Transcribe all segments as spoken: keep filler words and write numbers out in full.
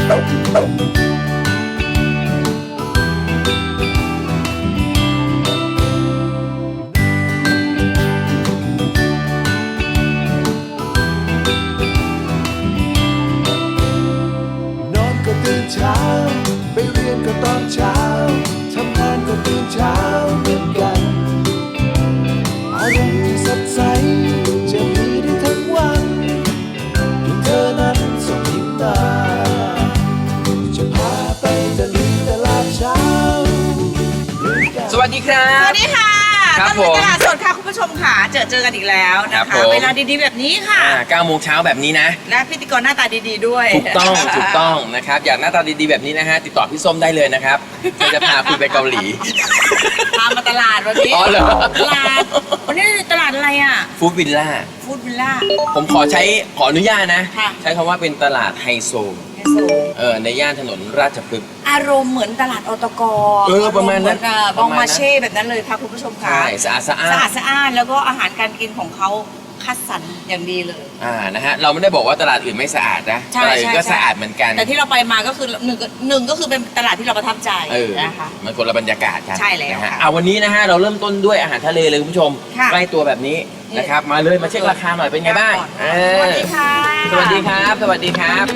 เช้าไปเรียนก็ตอนเช้าทำงานก็ตื่นเช้าเหมือนกันอารมณ์ที่สดใสจะมีได้ทั้งวันเพียงเธอนั้นส่งยิ้มมาจะพาไปตะลุยตลาดเช้าสวัสดีครับสวัสดีค่ะครับผมตลาดสดค่ะคุณผู้ชมค่ะเจอเจอกันอีกแล้วนะคะเวลาดีๆแบบนี้ค่ะเก้าโมงเช้าแบบนี้นะและพิธีกรหน้าตาดีๆด้วยถูกต้องถูกต้องนะครับอยากหน้าตาดีๆแบบนี้นะฮะติดต่อพี่ส้มได้เลยนะครับจะพาคุณไปเกาหลีพามาตลาดวันนี้อ๋อเหรอตลาดวันนี้ตลาดอะไรอ่ะฟู้ดวิลล่าฟู้ดวิลล่าผมขอใช้ขออนุญาตนะใช้คำว่าเป็นตลาดไฮโซเออในย่านถนนราชพฤกษ์อารมณ์เหมือนตลาดอตกเออประมาณนั้นบองมาเช่แบบนั้นเลยค่ะคุณผู้ชมค่ะใช่สะอาดสะอาดสะอาดสะอาดแล้วก็อาหารการกินของเขาคัดสรรอย่างดีเลยอ่านะฮะเราไม่ได้บอกว่าตลาดอื่นไม่สะอาดนะตลาดอื่นก็สะอาดเหมือนกันแต่ที่เราไปมาก็คือหนึ่งหนึ่งก็คือเป็นตลาดที่เราประทับใจนะคะมันคนละบรรยากาศกันใช่แล้วนะฮะเอาวันนี้นะฮะเราเริ่มต้นด้วยอาหารทะเลเลยคุณผู้ชมใกล้ตัวแบบนี้นะครับมาเลยมาเช็คราคาหน่อยเป็นไงบ้างสวัสดีค่ะสวัสดีครับสวัสดีครับ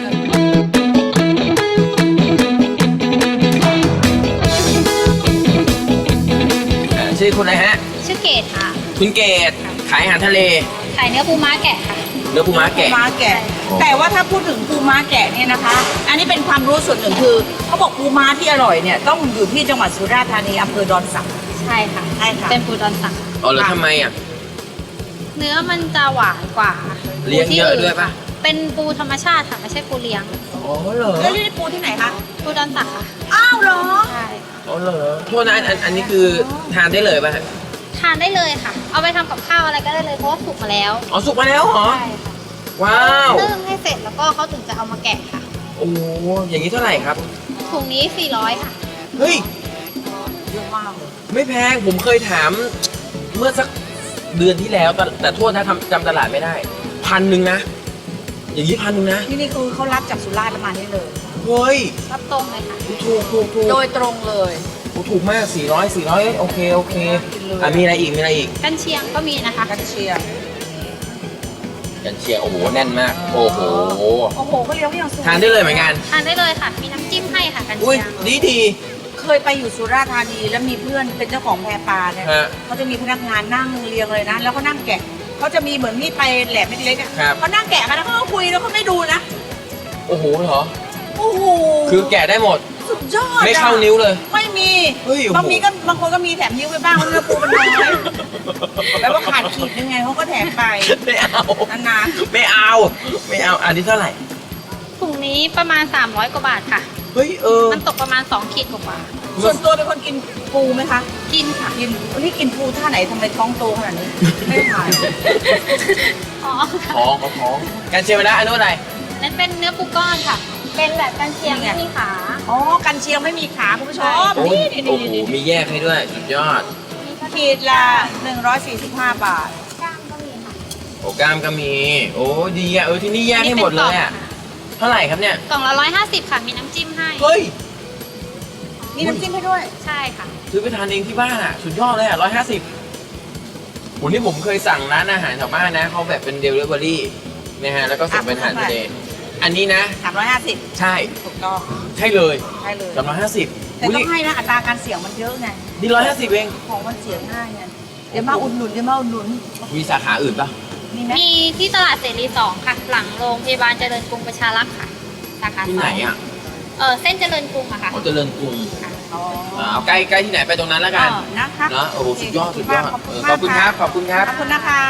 ชื่อคุณอะไรฮะชื่อเกดค่ะคุณเกดขายอาหารทะเลขายเนื้อปูม้าแกะค่ะเนื้อปูม้าแกะปูม้าแกะแต่ว่าถ้าพูดถึงปูม้าแกะเนี่ยนะคะอันนี้เป็นความรู้ส่วนหนึ่งคือเขาบอกปูม้าที่อร่อยเนี่ยต้องอยู่ที่จังหวัดสุราษฎร์ธานีอำเภอดอนสักใช่ค่ะใช่ค่ะเป็นปูดอนสักอ๋อแล้วทำไมอ่ะเนื้อมันจะหวานกว่าเลี้ยงเยอะด้วยป่ะเป็นปูธรรมชาติค่ะไม่ใช่ปูเลี้ยงอ๋อเหรอแล้วนี่ปูที่ไหนคะปูดอนสักค่ะอ้าวเหรอใช่อ๋อเหรอโทษนะอันอันนี้คือทานได้เลยป่ะทานได้เลยค่ะเอาไปทำกับข้าวอะไรก็ได้เลยเพราะว่าสุกมาแล้วอ๋อสุกมาแล้วเหรอใช่ค่ะว้าวนึ่งให้เสร็จแล้วก็เขาถึงจะเอามาแกะค่ะโอ้อย่างนี้เท่าไหร่ครับถุงนี้สี่ร้อยค่ะเฮ้ยเยอะมากเลยไม่แพงผมเคยถามเมื่อสักเดือนที่แล้วแต่โทษนะจำตลาดไม่ได้พันหนึ่งนะอย่างนี้พันหนึ่งนะที่นี่คือเขารับจากสุราษฎร์ประมาณนี้เลยเฮ้ยรับตรงเลยค่ะถูกถูกถูกโดยตรงเลยถูกมากสี่ร้อย สี่ร้อยโอเคโอเคอ่ะมีอะไรอีกมีอะไรอีกกันเชียงก็มีนะคะกันเชียงกันเชียงโอ้โหแน่นมากโอ้โหโอ้โหเขาเลี้ยงอย่างสวยทานได้เลยเหมือนกันทานได้เลยค่ะมีน้ำจิ้มให้ค่ะกันเชียงดีดีเคยไปอยู่สุราษฎร์ธานีแล้วมีเพื่อนเป็นเจ้าของแพปลาเนี่ยเขาจะมีพนักงานนั่งเรียงเลยนะแล้วเขานั่งแกะเขาจะมีเหมือนมีดไปแหลมเล็กๆอ่ะเขานั่งแกะกันแล้วเขาก็คุยแล้วเขาไม่ดูนะโอ้โหเหรอโอ้โหคือแกะได้หมดสุดยอดไม่เข้านิ้วเลยไม่มีบางมีก็บางคนก็มีแถมนิ้วไปบ้างเพราะเนื้อปูมันน้อยแล้วก็ขาดขีดยังไงเขาก็แถมไปไม่เอานานๆไม่เอาไม่เอาอันนี้เท่าไหร่ถุงนี้ประมาณสามร้อยกว่าบาทค่ะเฮ้ยเออมันตกประมาณสองขีดกว่าส่วนตัวเป็นคนกินปูไหมคะกินค่ะกินวันนี้กินปูท่าไหนทำไมท้องโตขนาดนี้ไม่ถ่ายอ๋อท้องเขาท้องกันเชียงไปแล้วอันนู้นอะไรนั่นเป็นเนื้อปูก้อนค่ะเป็นแบบกันเชียงไม่มีขาอ๋อกันเชียงไม่มีขาคุณผู้ชมนี่นี่นี่มีแยกให้ด้วยสุดยอดขีดละหนึ่งร้อยสี่สิบห้าบาทกล้ามก็มีค่ะโอ้กล้ามก็มีโอ้ดีอ่ะเออที่นี่แยกให้หมดเลยอ่ะเท่าไหร่ครับเนี่ยกล่องละร้อยห้าสิบค่ะมีน้ำจิ้มให้เฮ้ยมีน้ำจิ้มให้ด้วยใช่ค่ะซื้อไปทานเองที่บ้านอ่ะสุดยอดเลยอ่ะร้อยห้าสิบวันนี้ผมเคยสั่งร้านอาหารแถวบ้านนะเขาแบบเป็นเดลิเวอรี่นะฮะแล้วก็ส่งเป็นอาหารทะเลอันนี้นะสามร้อยห้าสิบใช่ถูกต้องใช่เลยใช่เลยสามร้อยห้าสิบแต่ต้องให้นะอัตราการเสี่ยงมันเยอะไงนี่ร้อยห้าสิบเองของมันเสียง่ายไงเดี๋ยวมาอุดหนุนเดี๋ยวมาอุดหนุนมีสาขาอื่นปะมีไหมมีที่ตลาดเสรีสองค่ะหลังโรงพยาบาลเจริญกรุงประชารักษ์ค่ะสาขาที่ไหนอ่ะเออเส้นเจริญกรุงอะค่ะเจริญกรุงเอาใกล้ใกล้ที่ไหนไปตรงนั้นแล้วกันนะคะนะโอ้โหสุดยอดสุดยอดขอบคุณครับขอบคุณครับขอบคุณนะคะ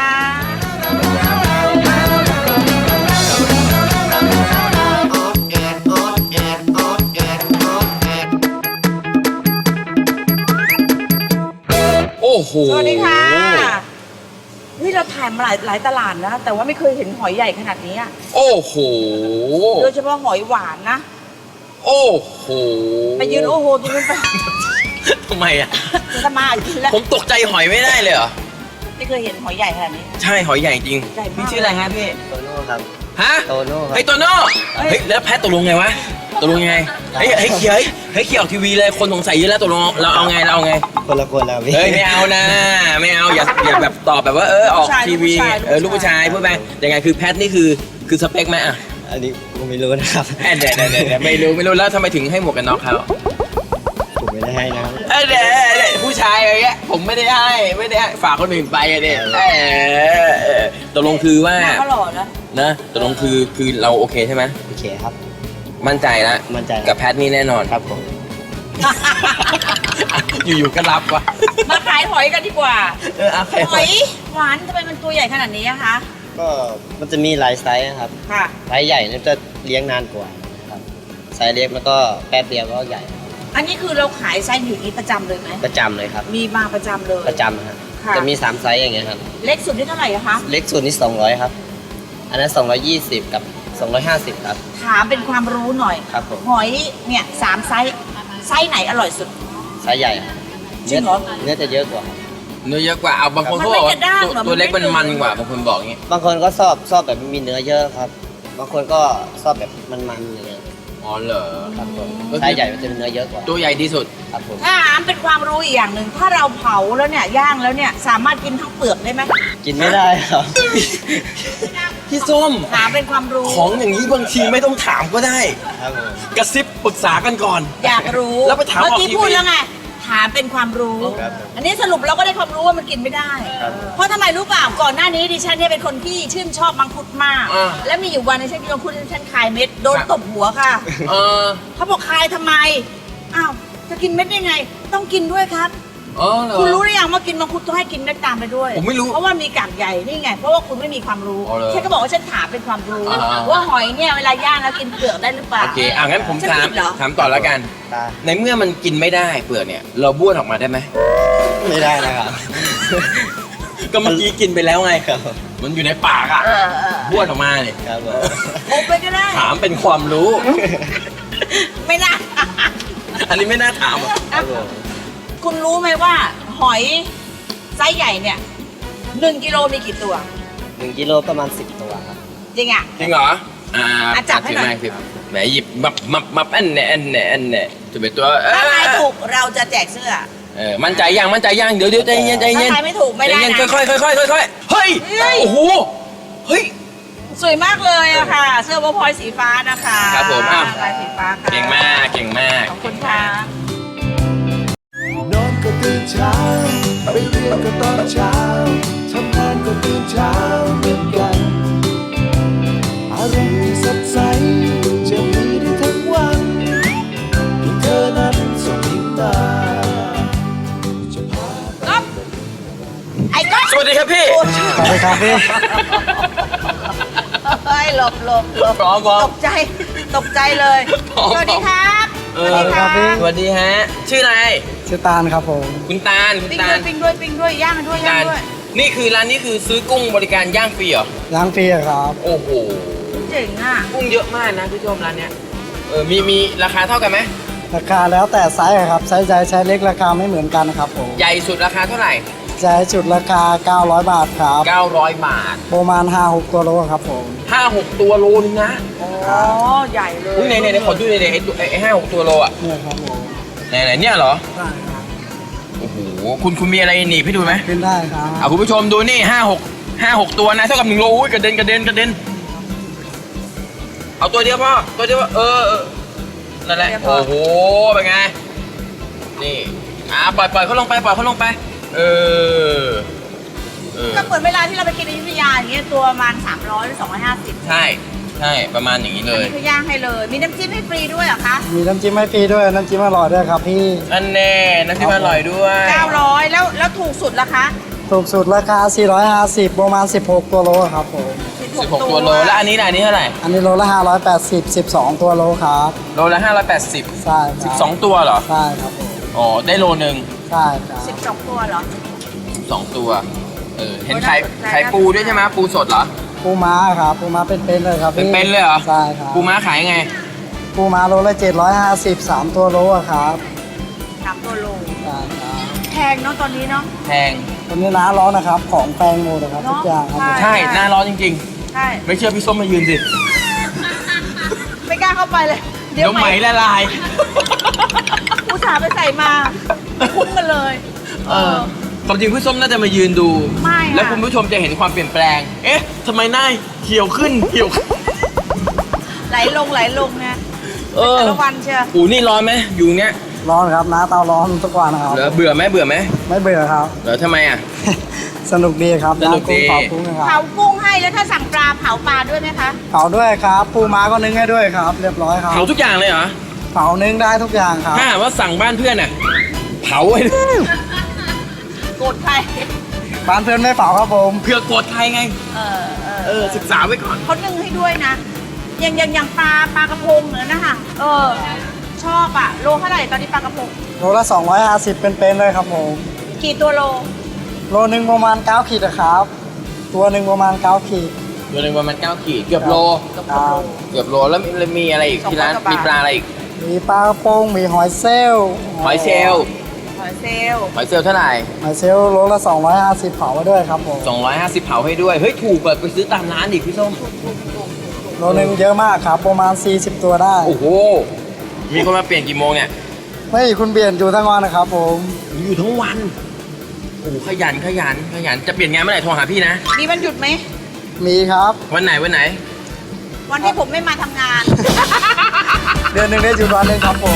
โอ้โหสวัสดีค่ะนี่เราถ่ายมาหลายหลายตลาดนะแต่ว่าไม่เคยเห็นหอยใหญ่ขนาดนี้อ่ะโอ้โหโดยเฉพาะหอยหวานนะโอ้โหไปยืนโอ้โหตรงนั้นไปทำไมอ่ะจะมาอีกแล้วผมตกใจหอยไม่ได้เลยเหรอไม่เคยเห็นหอยใหญ่ขนาดนี้ใช่หอยใหญ่จริงพี่ชื่ออะไรฮะพี่โตโน่ครับฮะโตโน่ครับไอโตโน่เฮ้ยแล้วแพทตกลงไงวะตกลงยังไงเฮ้ยเฮ้ยเขียวเฮ้ยเขียวทีวีเลยคนสงสัยเยอะแล้วตกลงเราเอาไงเราเอาไงคนละคนแล้วพี่เฮ้ยไม่เอานะไม่เอาอย่าอย่าแบบตอบแบบว่าเออออกทีวีเออลูกผู้ชายพูดไปยังไงคือแพทนี่คือคือสเปคไหมอ่ะอันนี้ผมไม่รู้นะครับแอนเดี๋ยวเดี๋ยวเดี๋ยวไม่รู้ไม่รู้แล้วทำไมถึงให้หมวกกันน็อกเขาผมไม่ได้ให้นะครับเออเดี๋ยวเดี๋ยวผู้ชายอะไรเงี้ยผมไม่ได้ให้ไม่ได้ให้ฝากคนอื่นไปอะเนี่ยเออเออตกลงคือว่าหน้าก็หล่อนะนะตกลงคือคือเราโอเคใช่ไหมโอเคครับมั่นใจแล้วมั่นใจกับแพทนี่แน่นอนครับผมอยู่ๆก็รับวะมาขายหอยกันดีกว่าเออโอเคหอยหวานทำไมมันตัวใหญ่ขนาดนี้อะคะก็มันจะมีหลายไซส์นะครับค่ะไซส์ใหญ่เนี่ยจะเลี้ยงนานกว่าครับไซส์เล็กแล้วก็แป๊บเดียวก็ใหญ่อันนี้คือเราขายไซส์อยู่นี้ประจำเลยไหมประจำเลยครับมีมาประจำเลยประจำครับค่ะจะมีสามไซส์อย่างเงี้ยครับเล็กสุดนี่เท่าไหร่อะคะเล็กสุดนี่สองร้อยครับ อันนั้นสองร้อยยี่สิบกับสองร้อยห้าสิบครับถามเป็นความรู้หน่อยครับผมหอยเนี่ยสามไซส์ไซส์ไหนอร่อยสุดไซส์ใหญ่ครับจริงเหรอเนื้อจะเยอะกว่าครับเนื้อเยอะกว่าเอาบางคนมันเขาไม่บอกกระด้างเหรอตัวตัวเล็กมัมันนไม่มันหนึบกว่าบางคนบอกอย่างงี้บางคนก็ชอบชอบแบบมีเนื้อเยอะครับ บางคนก็ชอบแบบมันๆอย่างเงี้ยอ๋อเหรอครับผมก็คือไซส์ใหญ่มันจะมีเนื้อเยอะกว่าตัวใหญ่ที่สุดครับผมถ้าถามเป็นความรู้อีกอย่างหนึ่งถ้าเราเผาแล้วเนี่ยย่างแล้วเนี่ยสามารถกินทั้งเปลือกได้ไหมกินไม่ได้ครับพี่ส้มถามเป็นความรู้ของอย่างนี้บางทีไม่ต้องถามก็ได้ครับผมกระซิบปรึกษากันก่อนอยากรู้แล้วไปถามเมื่อกี้ออกทีวีพูดแล้วไงถามเป็นความรู้ครับผมอันนี้สรุปเราก็ได้ความรู้ว่ามันกินไม่ได้ครับเพราะทำไมรู้เปล่าก่อนหน้านี้ดิฉันเนี่ยเป็นคนที่ชื่นชอบมังคุดมากอ่าแล้วมีอยู่วันหนึงฉันกินมังคุดฉันคายเม็ดโดนครับตบหัวค่ะเออเขาบอกคายทำไมอ้าวจะกินเม็ดได้ไง ต้องกินด้วยครับอ๋อเหรอคุณรู้หรือยังว่ากินมังคุดต้องให้กินเม็ดตามไปด้วยผมไม่รู้เพราะว่ามีกากใหญ่นี่ไงเพราะว่าคุณไม่มีความรู้อ๋อเหรอฉันก็บอกว่าฉันถามเป็นความรู้อ่าว่าหอยเนี่ยเวลาย่างแล้วกินเปลือกได้หรือเปล่าโอเคอ่ะงั้นผมฉันถามผิดเหรอถามต่อแล้วกันได้ในเมื่อมันกินไม่ได้เปลือกเนี่ย เราบ้วนออกมาได้ไหมไม่ได้นะครับก็เมื่อกี้กินไปแล้วไงครับมันอยู่ในปากอ่ะเออเออบ้วนออกมาเนี่ยครับผมอบไปก็ได้ถามเป็นความรู้ไม่น่าอันนี้ไม่น่าถามอ่ะครับผมคุณรู้ไหมว่า หอยไซส์ใหญ่เนี่ยหนึ่งกิโลมีกี่ตัวหนึ่งกิโลประมาณสิบตัวครับจริงอ่ะจริงเหรอ อ่าอ่ะจับให้หน่อยถืมาสิแหมหยิบมับมับมับอันเนี่ยอันเนี่ยอันเนี่ยจะเป็นตัวเอถ้าทายอถูกเราจะแจกเสื้อเออมั่นใจยังมั่นใจยังเดี๋ยวเดี๋ยวใจเย็นใจถ้าเย็นทายไม่ถูกไม่ได้ใจเย็นนะค่อยๆค่อยๆค่อยๆเฮ้ยเฮ้ยโอ้โหเฮ้ยสวยมากเลยอะค่ะ เสื้อวอพอยสีฟ้านะคะครับผมอ้าวลายสีฟ้าค่ะเก่งมากเก่งมากขอบคุณค่ะนอนก็ตื่นเช้า ไปเรียนก็ตอนเช้า ทำงานก็ตื่นเช้าเหมือนกัน อารมณ์ที่สดใส จะมีได้ทั้งวันเพียงเธอนั้นส่งยิ้มมาจะพาก๊อฟไอ้ก๊อฟสวัสดีครับพี่โอ้สวัสดีครับพี่เฮ้ยหลบหลบหลบพร้อมพร้อมตกใจ ตกใจเลยพร้อมสวัสดีครับเอสอวัสดีครับสวัสดีฮะ ชื่ออะไรชื่อตาลครับผมคุณตาลคุณปิ้งตาด้วลยปิ้งด้วยปิ้งด้วยย่างด้วยย่าตาง ลด้วยนี่คือร้านนี้คือซื้อกุ้งบริการย่างฟรีเหรอล้างฟรีอะครับโอ้โหเจ๋งอ่ะกุ้งเยอะมากนะพี่ชมร้านเนี้ย เออ มีมีราคาเท่ากันไหมราคาแล้วแต่ไซส์อะครับ ไซส์ใหญ่ไซส์เล็กราคาไม่เหมือนกันครับผมใหญ่สุดราคาเท่าไหร่ไซส์จุดราคา เก้าร้อย บาทครับเก้าร้อยบาทประมาณ ห้าหก ตัวโลครับผมห้าหกตัวโลนึงนะอ๋อ ใหญ่เลยอุ้ยไหนไหนไหนขอดูหน่อยดิไอ้ตัวไอ้ห้าหกตัวโลอ่ะเนี่ยครับผมไหนไหนเนี่ยเหรอได้ครับโอ้โห คุณคุณมีอะไรหนีบให้ดูไหมขึ้นได้ครับอ่ะคุณผู้ชมดูนี่ห้าหกห้าหกตัวนะเท่ากับหนึ่งโลอุ้ยกระเด็นกระเด็นกระเด็น เอาตัวเดียวพ่อตัวเดียวเออเออนั่นแหละ โอ้โห เป็นไง นี่ อ่ะปล่อยปล่อยเขาลงไปปล่อยเขาลงไป เออ เออก็เหมือนเวลาที่เราไปกินอยุธยาอย่างเงี้ยตัวประมาณสามร้อยหรือสองร้อยห้าสิบใช่ ใช่ ประมาณอย่างนี้เลอันยนี้คือย่างให้เลย มีน้ำจิ้มให้ฟรีด้วยเหรอคะมีน้ำจิ้มให้ฟรีด้วย น้ำจิ้มอร่อยด้วยครับพี่อันแน่น้ำจิ้มอร่อยด้วยเก้าร้อยแล้วแล้วถูกสุดล่ะคะถูกสุดราคา สี่ร้อยห้าสิบ ประมาณ สิบหก ตัวโลครับผมสิบสิบหกตัวโล แล้วอันนี้ล่ะอันนี้เท่าไหร่อันนี้โลละ ห้าร้อยแปดสิบ สิบสอง ตัวโลครับโลละห้าร้อยแปดสิบใช่คสิรับบ สองตัวเหรอใช่ครับผมอ๋อ ได้โลหนึ่งใช่ครับสิบสองตัวเหรอสองตัว เออ เห็นไข่โอ้น่าสนใจไข่ปูด้วยใช่ไหมปูสดเหรอปูม้าครับ ปูม้าเป็นๆเลยครับพี่เป็นๆเลยเหรอใช่ครับปูม้าขายไงปูม้าโลละเจ็ดร้อยห้าสิบ สาม ตัวโลอะครับสามตัวโลใช่ครับแพงเนาะตอนนี้เนาะแพงวันนี้ร้านร้อนนะครับ ของแพงหมดนะครับเนอะทุกอย่างครับใช่ใช่ หน้าร้อนจริงใช่ๆ ไม่เชื่อพี่ส้มมายืนสิไม่กล้าเข้าไปเลยเดี๋ยวไหมละลายอุตส่าห์ไปใส่มาคุ้มกันเลยเออความจริงพี่ส้มน่าจะมายืนดูไม่ค่ะแล้วคุณผู้ชมจะเห็นความเปลี่ยนแปลง เอ๊ะทำไมหน้าเหี่ยวขึ้นเหี่ยวขึ้นไหลลงไหลลงนะเออแต่ละวันเชียวอูนี่ร้อนไหมอยู่เนี้ยร้อนครับน้าเตาร้อนทุกวันนะครับเหรอเบื่อไหมเบื่อไหมไม่เบื่อครับเหรอทำไมอ่ะสนุกดีครับสนุกดีร้านกุ้งเผากุ้งนะคเผารับกุ้งให้แล้วถ้าสั่งปลาเผาปลาด้วยไหมคะเผาด้วยครับปูม้าก็นึ่งให้ด้วยครับ เรียบร้อยครับเผาทุกอย่างเลยเหรอเผานึ่งได้ทุกอย่างครับถ้าหากว่าสั่งบ้านเพื่อนอ่ะเผาให้ด้วยโกรธใครบ้านเพื่อนไม่เผาครับผมเพื่อกดใครไงเออเออเออศึกษาไว้ก่อนเขานึ่งให้ด้วยนะอย่างอย่างอย่างปลาปลากระพงเนี่ยนะคะเออ ชอบอะโลเท่าไหร่ตอนนี้ปลากระพงโลละสองร้อยห้าสิบเป็นๆเลยครับผมกี่ตัวโลโลหนึ่งประมาณเก้าขีดนะครับ ตัวหนึ่งประมาณเก้าขีดตัวหนึ่งประมาณเก้าขีดเกือบโลครับเกือบโลแล้วมีมีอะไรอีกที่ร้านมีปลาอะไรอีกมีปลากระพงมีหอยเซลล์หอยเชลลหอยเซลลหอยเชลลเท่าไหร่หอยเซลล์โลละสองร้อยห้าสิบเผาไว้ด้วยครับผมสองร้อยห้าสิบเผาให้ด้วย เฮ้ย ถูกกว่าไปซื้อตามร้านอีกพี่ส้มโลหนึ่งเยอะมากครับ ประมาณสี่สิบตัวได้โอ้โห มีคนมาเปลี่ยนกี่โมงเนี่ยไม่คุณเปลี่ยนอยู่ทั้งวันนะครับผมอยู่ทั้งวัน โอ้โหขยันขยันขยัน จะเปลี่ยนงานเมื่อไหร่โทรหาพี่นะมีวันหยุดไหมมีครับวันไหนวันไหนวันที่ผมไม่มาทำงานเดือนหนึ่งได้หยุดวันหนึ่งครับผม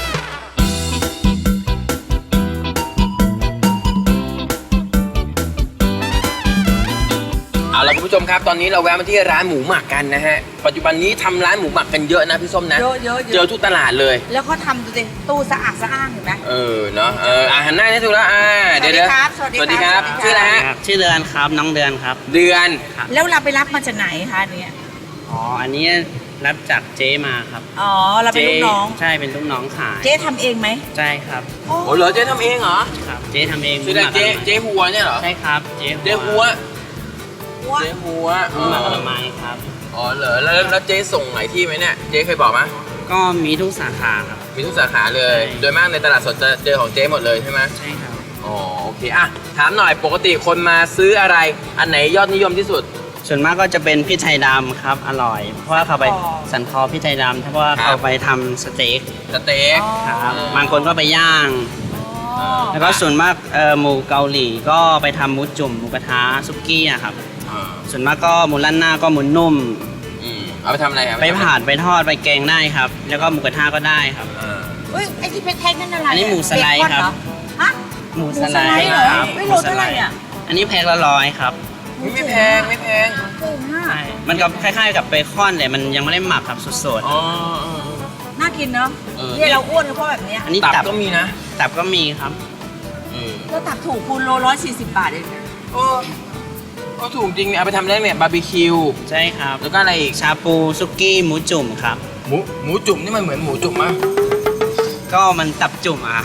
เอาละคุณผู้ชมครับ ตอนนี้เราแวะมาที่ร้านหมูหมักกันนะฮะ ปัจจุบันนี้ทำร้านหมูหมักกันเยอะนะพี่ส้มนะเยอะเยอะเยอะเจอทุกตลาดเลยแล้วเขาทำดูสิตู้สะอาดสะอ้านเห็นไหมเออ เนาะ เอออาหารหน้าได้ถูกแล้ว อ่า เดี๋ยวเดี๋ยวสวัสดีครับสวัสดีครับสวัสดีครับชื่ออะไรฮะครับชื่อเดือนครับน้องเดือนครับเดือนแล้วเราไปรับมาจากไหนคะเนี่ยอ๋ออันนี้รับจากเจ๊มาครับอ๋อ เราเป็นลูกน้องใช่เป็นลูกน้องขายเจ๊ทำเองไหมใช่ครับโอ้โอ้เหรอเจ๊ทำเองเหรอครับเจ๊ทำเองชื่ออะไรเจ๊เจ๊หัวเนี่ยเหรอใช่ครับเจ๊เจ๊หัวว่าเจ๊หัวหมูหมักผลไม้ครับอ๋อเหรอแล้วแล้วเจ๊ส่งหลายที่ไหมเนี่ย เจ๊เคยบอกไหมก็มีทุกสาขาครับมีทุกสาขาเลยใช่โดยมากในตลาดสดจะเจอของเจ๊หมดเลยใช่ไหมใช่ครับอ๋อโอเคอ่ะถามหน่อยปกติคนมาซื้ออะไร อันไหนยอดนิยมที่สุดส่วนมากก็จะเป็นพริกไทยดำครับอร่อย เพราะว่าเขาไปสันคอพริกไทยดำเพราะว่าครับเขาไปทำสเต็กสเต็กครับบางคนก็ไปย่างอ๋อแล้วก็ส่วนมากเอ่อหมูเกาหลีก็ไปทำหมูจุ่มหมูกระทะซุกี้อะครับอ่าส่วนมากก็หมูล้านหน้าก็หมูนุ่มอืมเอาไปทำอะไรครับไปผ่านไปทอดไปแกงได้ครับ แล้วก็หมูกระทะก็ได้ครับอ่าเฮ้ย ไอ้ที่เป็นแท็กนั่นอะไรอันนี้หมูสไลด์เบอนครับเหอฮะหมูหมูสสไลไลด์ด์เหรอครับไม่โลเท่าไหร่อ่ะอันนี้แพ็คละร้อยครับไม่แพงไม่แพงเก่งมากใช่มันก็คล้ายๆกับเบคอนแต่มันยังไม่ได้หมักครับสดอ๋อน่ากินเนาะเออเนี่ยเราอ้วนก็เพราะแบบเนี้ยๆอันนี้ตับตับก็มีนะตับก็มีครับอืมแล้วตับถูกคูณโลร้อยสี่สิบบาทเองโอ้ก็ถูกจริงเนี่ยเอาไปทำได้เนี่ยบาร์บีคิวใช่ครับแล้วก็อะไรอีกชาปูซุกี้หมูจุ่มครับหมูหมูจุ่มนี่มันเหมือนหมูจุ่มมั้ยก็มันตับจุ่มอ่ะ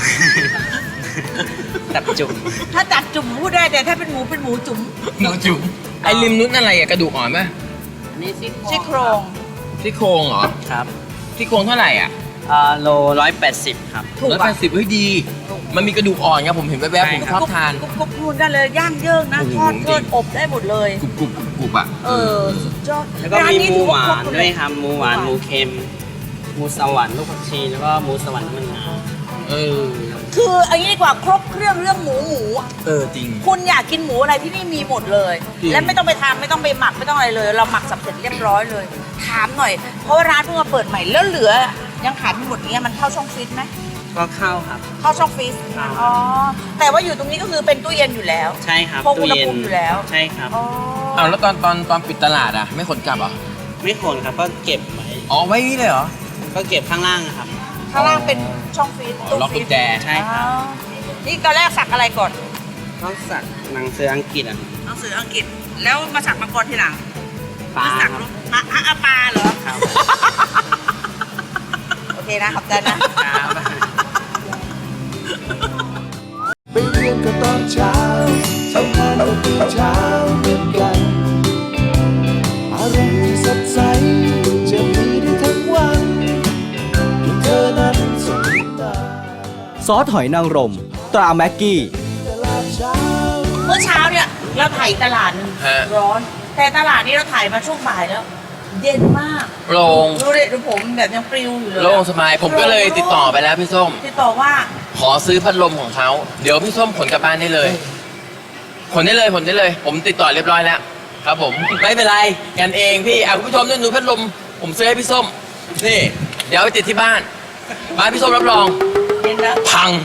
ตับจุ่มถ้าตับจุ่มพูดได้แต่ถ้าเป็นหมูเป็นหมูจุ่มหมูจุ่มไอ้ริมนุ้นอะไรอะกระดูกอ่อนป่ะอันนี้ซี่ซี่โครงซี่โครงเหรอครับซี่โครงเท่าไหร่อ่ะอ่าโลร้อยแปดสิบครับถูกร้อยป่ะแปดสิบเฮ้ยดี มันมีกระดูกอ่อนไงผมเห็นแวบๆผมชอบทานกรุบกรุบนู่นได้เลยย่างเยิ่งนะโอ้โหทอดเทิดอบได้หมดเลยกรุบกรุบกรุบอ่ะเออสุดยอดแล้วก็ร้มีนี้หมูถือหวานครบมด้วยเลครับหมูหวานหมูเค็มหมูสวรรค์ลูกผักชีแล้วก็หมูสวรรค์น้ำมันงาเออคือเอันนี้ดีกว่าครบเครื่องเรื่องหมูหมูอะเออจริงคุณอยากกินหมูอะไรที่นี่มีหมดเลยจริงและไม่ต้องไปทำไม่ต้องไปหมักไม่ต้องอะไรเลย เราหมักสับเสร็จเรียบร้อยเลย ถามหน่อย เพราะว่าร้านเพิ่งมาเปิดใหม่แล้วเหลือ ยังขายไม่หมดเนี้ยมันเข้าช่องฟรีซไหมก็เข้าครับเข้าช่องฟรีซเข้าอ๋อแต่ว่าอยู่ตรงนี้ก็คือเป็นตู้เย็นอยู่แล้วใช่ครับคงอุณหภูมิอยู่แล้วใช่ครับอ๋ออ้าวแล้วตอนตอนตอนปิดตลาดอ่ะ ไม่ขนกลับเหรอไม่ขนครับก็เก็บไว้อ๋อไว้นี่เลยเหรอก็เก็บข้างล่างอะครับข้างล่างเป็นช่องฟรีซอ๋อตู้ล็อกฟรีกุซญแจใช่ครับอ๋อนี่ตอนแรกสักอะไรก่อนก็สักหนังสืออังกฤษอ่ะหนังสืออังกฤษแล้วมาสักมังกรทีหลังปลาสักครับรูปอ่ะอ่ะอ่ะปลาเหรอครับโอเคนะขอบใจนะครับไปเรียนก็ตอนเช้าทำงานก็ตื่นเช้าเหมือนกัน อารมณ์ที่สดใสจะมีได้ทั้งวันที่เธอนั้นสบตาซอสหอยนางรมตราแม็กกี้ตลาดเช้าเมื่อเช้าเนี่ยเราถ่ายตลาดหนึงฮะร้อน แต่ตลาดนี้เราถ่ายมาช่วงบ่ายแล้วเย็นมากโล่งดูดิดูผมแบบยังปลิวอยู่เลยโล่งสบายผมก็เลยติดต่อไปแล้วพี่ส้มติดต่อว่าขอซื้อพัดลมของเขาเดี๋ยวพี่ส้มขนกลับบ้านได้เลยขนได้เลยขนได้เลย ผมติดต่อเรียบร้อยแล้วครับผมไม่เป็นไรกันเองพี่อ่ะคุณผู้ชมนี่ดูพัดลมผมซื้อให้พี่ส้มนี่เดี๋ยวเอาไปติดที่บ้านบ้านพี่ส้มรับรองเย็นนะพัง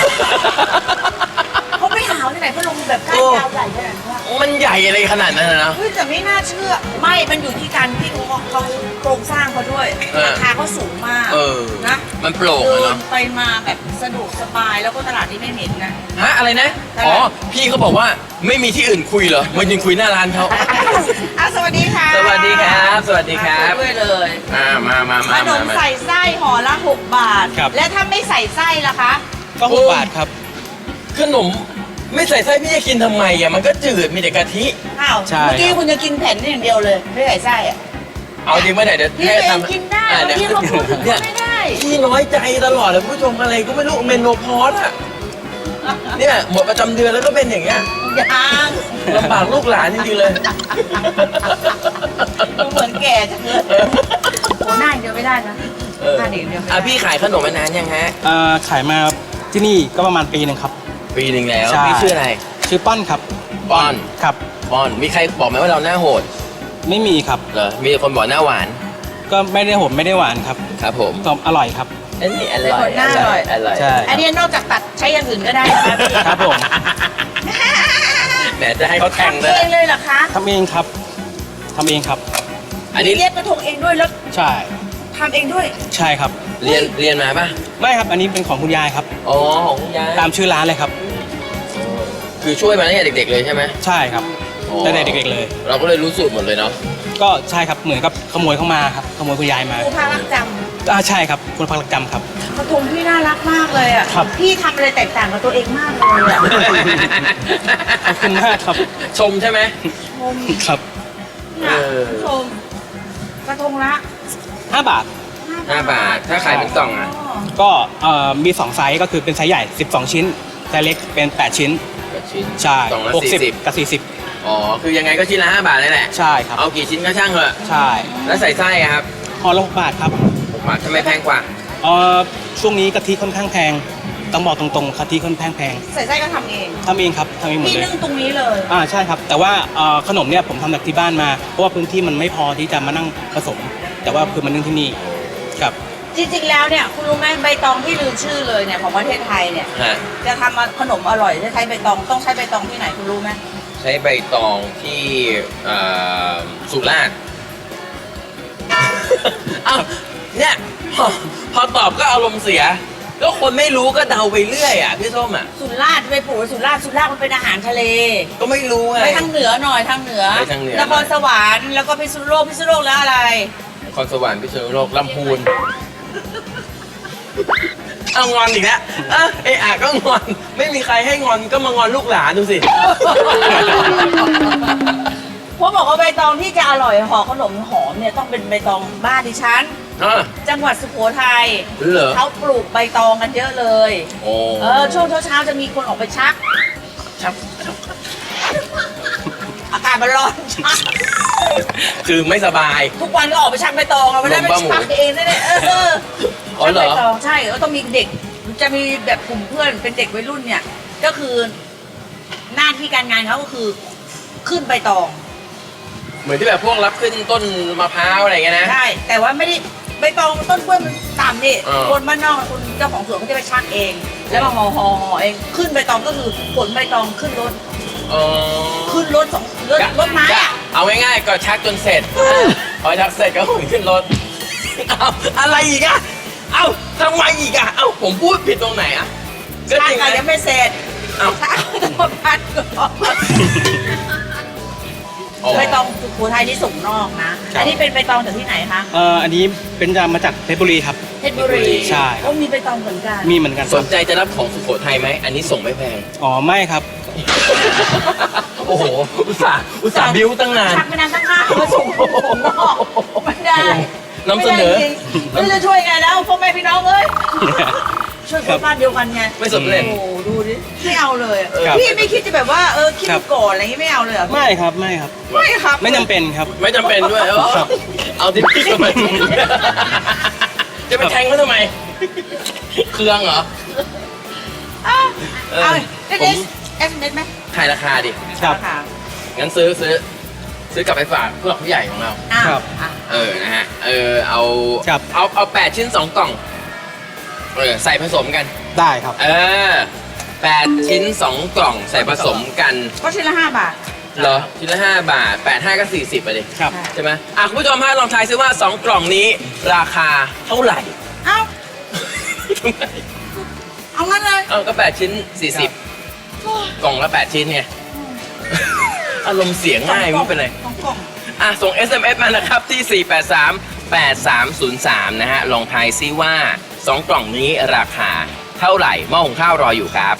เขาไม่หาวที่ไหนพัดลมแบบก้านยาวใหญ่ขนาดนี้วะมันใหญ่อะไรขนาดนั้นนะเฮ้ยแต่ไม่น่าเชื่อ ไม่มันอยู่ที่การที่เขาเขาโครงสร้างเขาด้วยเออราคาเขาสูงมากเออนะมันโปร่งเดิอะเนาะนไปมาแบบสะดวกสบายแล้วก็ตลาดนี้ไม่เหม็นนะฮะอะไรนะอ๋อพี่เขาบอกว่าไม่มีที่อื่นคุยเหรอมายืนคุยหน้าร้านเขาอ่ะสวัสดีค่ะสวัสดีครับสวัสดีครับมาด้วยเลยอ่ามามาขมาน มาม มาใส่ไส้ห่อละหกบาทครับและถ้าไม่ใส่ไส้ล่ะคะก็หกบาทครับขนมไม่ใส่ไส้พี่จะกินทำไมอ่ะมันก็จืดมีแต่กะทิอ้าวใช่เมื่อกี้คุณจะกินแผ่นนี่อย่างเดียวเลยไม่ใส่ไส้อะเอาจริงป่ะเนี่ยเดี๋ยวพี่ให้เองทำกินได้อ่ะเมื่อเดี๋ยวกี้เขาพูดถึงเนี่ยไม่ได้พี่น้อยใจตลอดเลยคุณผู้ชมอะไรก็ไม่รู้เมนโนพอสอ่ะเนี่ยหมดประจำเดือนแล้วก็เป็นอย่างเงี้ยยังลำบากลูกหลานจริงๆเลยดูเหมือนแก่จังเลยโอ้หน้าอย่างเดียวไม่ได้นะเออหน้าเด็กเดียวไม่ได้อ่ะพี่ขายขนมมานานยังฮะเอ่อขายมาที่นี่ก็ประมาณปีหนึ่งครับปีหนึ่งแล้วใช่พี่ชื่ออะไรชื่อป้อนครับป้อนครับป้อนมีใครบอกไหมว่าเราหน้าโหดไม่มีครับเหรอมีคนบอกหน้าหวานก็ไม่ได้โหดไม่ได้หวานครับครับผมก็อร่อยครับอันนี้อเป็นร่อคยนหน้าอร่อยอร่อยใช่อันนี้นอกจากตัดใช้อย่างอื่นก็ได้นะคะพี่ครับผมแหมจะให้เขาแข่งทำเลเอย งเลยเหรอคะทำเองครับทำเองครับอันนี้เรียกกระทงเองด้วยแล้วใช่ทำเองด้วยใช่ครับเรียนเรียนมาป่ะไม่ครับอันนี้เป็นของคุณยายครับอ๋อของคุณยายตามชื่อร้านเลยครับคือช่วยมาตั้งแต่เด็ก ๆ เลยใช่ไหมใช่ครับอ๋อตั้งแต่เด็กๆเลยเราก็เลยรู้สูตรหมดเลยเนาะก็ใช่ครับเหมือนกับขโมยเข้ามาครับขโมยคุณยายมาครูพารักจอ่าใช่ครับคุณพักรักจำครับำกระทงพี่น่ารักมากเลยอ่ะครับพี่ทำอะไรแตกต่างกับตัวเองมากเลยอ่ะขอบคุณมากครับชมใช่ไหมชมครับเนี่ยเออชมกระทงละห้าบาทห้าบาทถ้าขายเป็นกล่องอ่ะก็เอ่อมีสองไซส์ก็คือเป็นไซส์ใหญ่สิบสองชิ้นไซส์เล็กเป็นแปดชิ้นแปดชิ้นใช่กล่องละหกสิบสี่สิบกับสี่สิบอ๋อคือยังไงก็ชิ้นละห้าบาทนั่นแหละใช่ครับเอากี่ชิ้นก็ช่างเถอะใช่แล้วใส่ไส้อะครับห่อละหกบาทครับหกบาททำไมแพงกว่าเอ่อช่วงนี้กะทิค่อนข้างแพงต้องบอกตรงๆกะทิค่อนข้างแพงใส่ไส้ก็ทำเองทำเองครับทำเองหมดพี่เลยนึ่งตรงนี้เลยอ่าใช่ครับ แต่ว่าเอ่อขนมเนี่ยผมทำจากที่บ้านมาเพราะว่าพื้นที่มันไม่พอที่จะมานั่งผสม แต่ว่าคือมันนึ่งที่นี่ครับจริงๆแล้วเนี่ยคุณรู้ไหมใบตองที่ลืมชื่อเลยเนี่ยของประเทศไทยเนี่ยฮะจะทำขนมอร่อยจะใช้ใบตองต้องใช้ใบตองที่ไหนคุณรู้ไหมใช้ใบตองที่เอ่อสุราษฎร์ เอ้าเนี่ยพอพอตอบก็อารมณ์เสีย ก็คนไม่รู้ก็เดาไปเรื่อยอ่ะพี่ส้มอ่ะสุราษฎร์ไปปลูกไว้สุราษฎร์สุราษฎร์มันเป็นอาหารทะเลก็ไม่รู้ไงไปทางเหนือหน่อยทางเหนือไปทางเหนือนครสวรรค์แล้วก็พิษณุโลกพิษณุโลกแล้วอะไรนครสวรรค์พิษณุโลกลำพูน เอางอนอีกแล้วเออไอ้อะก็งอน ไม่มีใครให้งอนก็มางอนลูกหลานดูสิเพราะบอกว่าใบตองที่จะอร่อยห่อขนมหอมเนี่ยต้องเป็นใบตองบ้านดิฉันอ่ะจังหวัดสุโขทัยเหรอเขาปลูกใบตองกันเยอะเลยโอ้เออช่วงเช้าๆจะมีคนออกไปชักชักอากาศมันร้อนชักคือไม่สบายทุกวันก็ออกไปชักใบตองอะไม่ได้ไปลมบ้าหมูชักเองได้เลยเอออ๋อชักเหรอใบตองใช่ก็ต้องมีเด็ก จะมีแบบกลุ่มเพื่อนเป็นเด็กวัยรุ่นเนี่ย ก็คือหน้าที่การงานเขาก็คือขึ้นใบตองเหมือนที่แบบพวกรับขึ้นต้นมะพร้าวอะไรเงี้ยนะใช่ แต่ว่าไม่ได้ใบตองต้นกล้วยมันต่ำนี่เออคนบ้านนอกคนเจ้าของสวนเขาจะไปชักเอง แล้วมาห่อห่อห่อเองขึ้นใบตองก็คือขนใบตองขึ้นรถเออขึ้นรถสองรถรถไม้ก็อะเอาง่ายๆก็ชักจนเสร็จ พอชักเสร็จก็ขนขึ้นรถ เอาอะไรอีกอะเอ้าทำไมอีกอะเอ้าผมพูดผิดตรงไหนอะก็ชักจริงอะนะยังไม่เสร็จเอ้าชักต้องพัดก่อนอ๋อใบตองสุโขทัยนี่ส่งนอกนะครับอันนี้เป็นใบตองจากที่ไหนคะเอ่ออันนี้เป็นจะมาจากเพชรบุรีครับเพชรบุรีใช่ก็มีใบตองเหมือนกันมีเหมือนกันคสรับนใจจะรับของสุโขทัยไหม อันนี้ส่งไม่แพงอ๋อไม่ครับโอ้โห อุตส่าห์อุตส่าห์บิ้วตั้งนานชักไม่นานตั้งห้ามาส่งส่งนอกไม่ได้นำเสนอไม่ได้จริงๆไม่รู้จะช่วยไงแล้วพ่อแม่พี่น้องเอ้ย ช่วยคนบ้านเดียวกันไงไม่สำเร็จโอ้โหดูดิไม่เอาเลยอะครับพี่ไม่คิดจะแบบว่าเออคิดครัดูบก่อนอะไรอย่างงี้ไม่เอาเลยเหรอไม่ครับไม่ครับไม่ครับไม่จำเป็นครับไม่จำเป็นด้วยเออครับเอาที่พี่ทำไมจะไปแทงเขาทำไม เครื่องเหรออ่ะเออเอาเอสผมเอสเอสไหมขายราคาดิครับค่ะงั้นซื้อซื้อ ซื้อกลับไปฝากผู้หลักผู้ใหญ่ของเราอ่ะครับอ่ะเออ นะฮะ เออ เอาครับเอาเอาแปดชิ้นสองกล่อง เออ ใส่ผสมกันได้ครับเออแปดชิ้นสองกล่องใส่ผสมกันก็ชิ้นละห้าบาทเหรอชิ้นละห้าบาทแปดห้าก็สี่สิบไปดิครับใช่ไหมอ่ะคุณผู้ชมฮะลองทายซิว่าสองกล่องนี้ราคาเท่าไหร่เอ้า เอางั้นเลยเอาก็แปดชิ้นสี่สิบกล่องละแปดชิ้นไง อารมณ์เสียงง่ายไม่เป็นไรสองกล่องอ่ะ ส่ง เอส เอ็ม เอส มานะครับ ที่ สี่ แปด สาม แปด สาม ศูนย์ สาม นะฮะ ลองทายซิว่า สอง กล่องนี้ราคาเท่าไหร่หม้อหุงข้าวรออยู่ครับ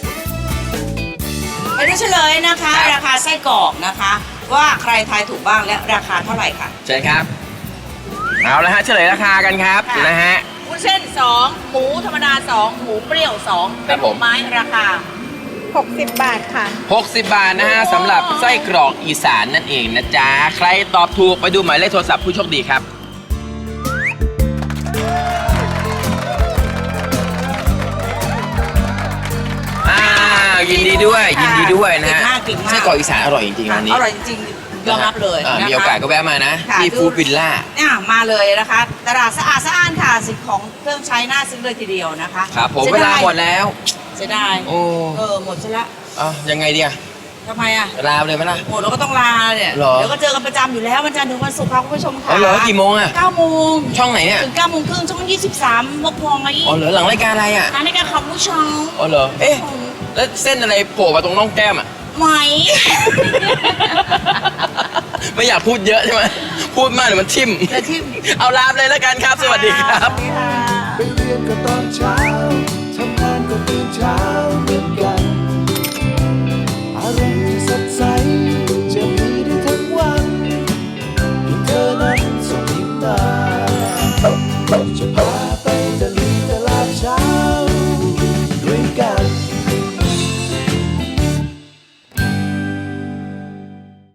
ไปดูเฉลยนะคะครับราคาไส้กรอกนะคะ ว่าใครทายถูกบ้างและราคาเท่าไหร่ค่ะเชิญครับ เอาละฮะเฉลยราคากันครับค่ะนะฮะวุ้นเส้นสองหมูธรรมดาสองหมูเปรี้ยวสองครัเป็บนผมหมูไม้ราคาหกสิบบาทค่ะหกสิบบาทนะฮะสำหรับไส้กรอกอีสานนั่นเองนะจ๊ะ ใครตอบถูกไปดูหมายเลขโทรศัพท์ผู้โชคดีครับ อ่ายินดีด้วย ยินดีด้วยนะฮะเก่งมากเก่งมากไส้กรอกอีสานอร่อยจริงๆค่ะร้านนี้อร่อยจริงๆยอมรับเลยอ่านะคะมีโอกาสก็แวะมานะค่ะที่ดูฟู้ดวิลล่าเนี่ยมาเลยนะคะ ตลาดสะอาดสะอ้านค่ะสิ่งของเครื่องใช้น่าซื้อเลยทีเดียวนะคะครับผมสียเวลาดยหมดแล้วเสียดายโอ้เออหมดซะละเอายังไงดีอะทำไมอ่ะลาไปเลยไหมล่ะหมดเราก็ต้องลาเนี่ยเหรอเดี๋ยวก็เจอกันประจำอยู่แล้ววันจันทร์ถึงวันศุกร์ค่ะคุณผู้ชมค่ะอ๋อเหรอกี่โมงอะเก้าโมงช่องไหนเนี่ยถึงเก้าโมงครึ่งช่องยี่สิบสามมกพวงไงอ๋อเหรอหลังรายการอะไรอะร้านในการขับผู้ชมอ๋อเหรอ เอ๊ะ แล้วเส้นอะไรโผล่มาตรงน่องแก้มอะไหมไม่อยากพูดเยอะใช่ไหม พูดมากเดี๋ยวมันทิ่มแต่ที่เอาลาไปเลยแล้วกันครับ สวัสดีครับสวัสดีค่ะไปเรียนก็ตอนเช้า